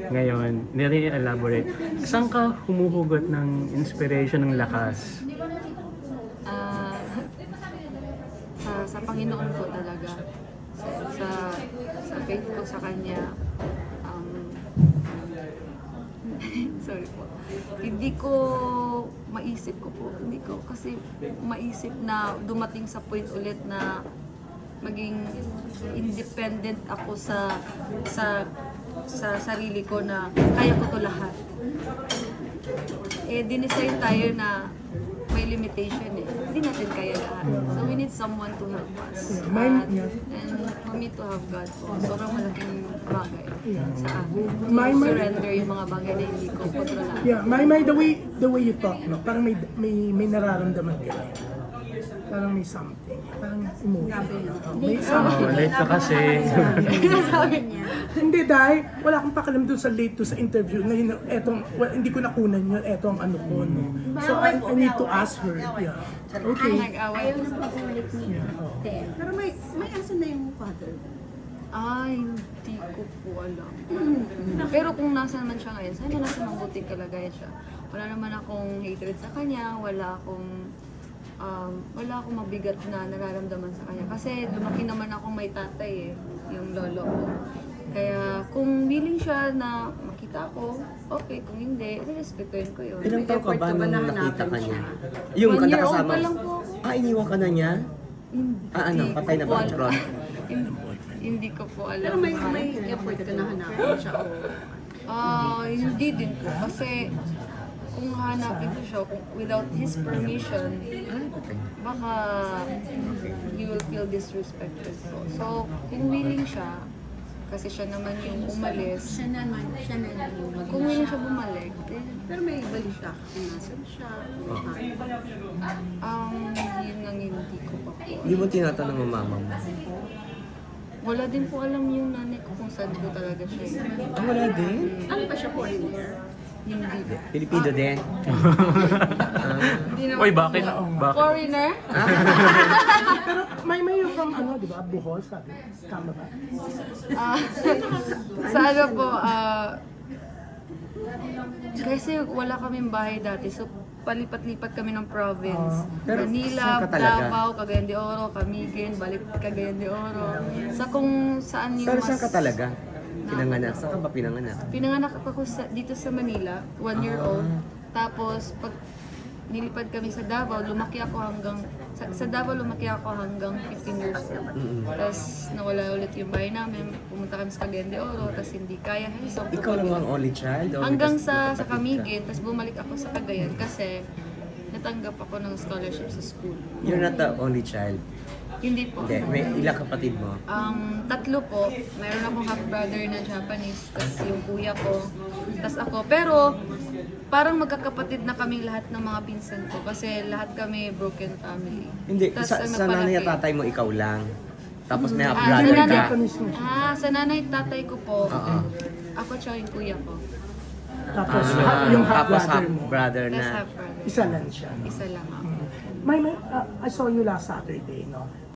ngayon, nire-elaborate. Saan ka humuhugot ng inspiration, ng lakas? Ah, sa Panginoon po talaga. Sa, sa faith ko sa Kanya. Sorry po. Hindi ko maisip ko po. Hindi ko kasi maisip na dumating sa point ulit na maging independent ako sa sarili ko na kaya ko to lahat. Eh, dinesign tayo na may limitation eh. Hindi natin kaya lahat. So we need someone to help us. And for me to have God po, sobrang malaking bagay sa akin. To surrender yung mga bagay na hindi ko kontrolado. Yeah, the way you talk, no? Parang may nararamdaman ka. Parang may something. Parang emotion. May something. Late ka kasi. Sabi niya. Hindi dahil wala akong pakialam doon sa late to sa interview na hindi ko nakunan yun, etong ano ko. No? So I need to ask her. Yeah. Okay. Nag-away. Ayaw na pag-ulit ni Ted. Pero may aso na yung father. Ay, hindi ko po alam. Pero kung nasa naman siya ngayon, sana nasa mabuting kalagayan siya. Wala naman akong hatred sa kanya, wala akong mabigat na nararamdaman sa kanya. Kasi lumaki naman ako may tatay eh, yung lolo ko. Kaya kung willing siya na makita ko, okay. Kung hindi, respetuhin ko yun. Ilang taon ka ba nung nakita ka niya? Yung 1 year old kasama? pa lang po ako. Iniwan ka na niya? Ano, patay na ba ko ang Tron? Hindi ko po alam. Pero may effort ka na hanapin siya. Hindi din po. Kasi kung hanapin ko siya without his permission, baka he will feel disrespected po. So, kung willing siya, kasi siya naman yung umalis, Siya na lang yung kung willing siya bumalik, then, Pero may balik siya. Kung nasan siya. yun ang hindi ko pa po. Hindi mo tinatanong ang mama mo? Wala din po alam yung nanay ko kung saan ko talaga siya. Wala din? Ano pa siya foreigner? Hindi. Pilipino din? Hindi naman Uy, po bakit? siya. Bakit? Foreigner? Pero may yung from ano, di ba? Bohol, sabi. Tama ba? Sa ano po, kasi wala kaming bahay dati, so palipat-lipat kami ng province. Pero Manila, saan ka talaga? Davao, Cagayan de Oro, Camiguin, balik Cagayan de Oro. Sa kung saan yung Pero mas... saan ka talaga? Pinanganak? Saan ka ba pinanganak? Pinanganak ako dito sa Manila, 1 year old. Tapos pag nilipad kami sa Davao, lumaki ako hanggang sa Davao lumaki ako hanggang 15 years old. Tapos nawala ulit yung bahay namin, pumunta kami sa Cagayan de Oro, tapos hindi kaya. So, Ikaw lang ang only child? O hanggang may sa kapatid ka? Camiguin, tapos bumalik ako sa Cagayan kasi natanggap ako ng scholarship sa school. You're not the only child? Hindi po. Hindi. May ilang kapatid mo? 3 po. Mayroon akong half-brother na Japanese, tapos yung kuya ko, tapos ako. Pero parang magkakapatid na kaming lahat ng mga pinsan ko kasi lahat kami broken family. Hindi. Tas Sa ang nanay at nagpalaki. tatay mo, ikaw lang. Tapos may sa half-brother nanay, ka. sa nanay at tatay ko po, Oo. ako tsaka yung kuya ko. Tapos Tapos yung half-brother mo, half-brother Tapos na. half-brother. isa lang siya. Isa lang ako. I saw you last Saturday, no?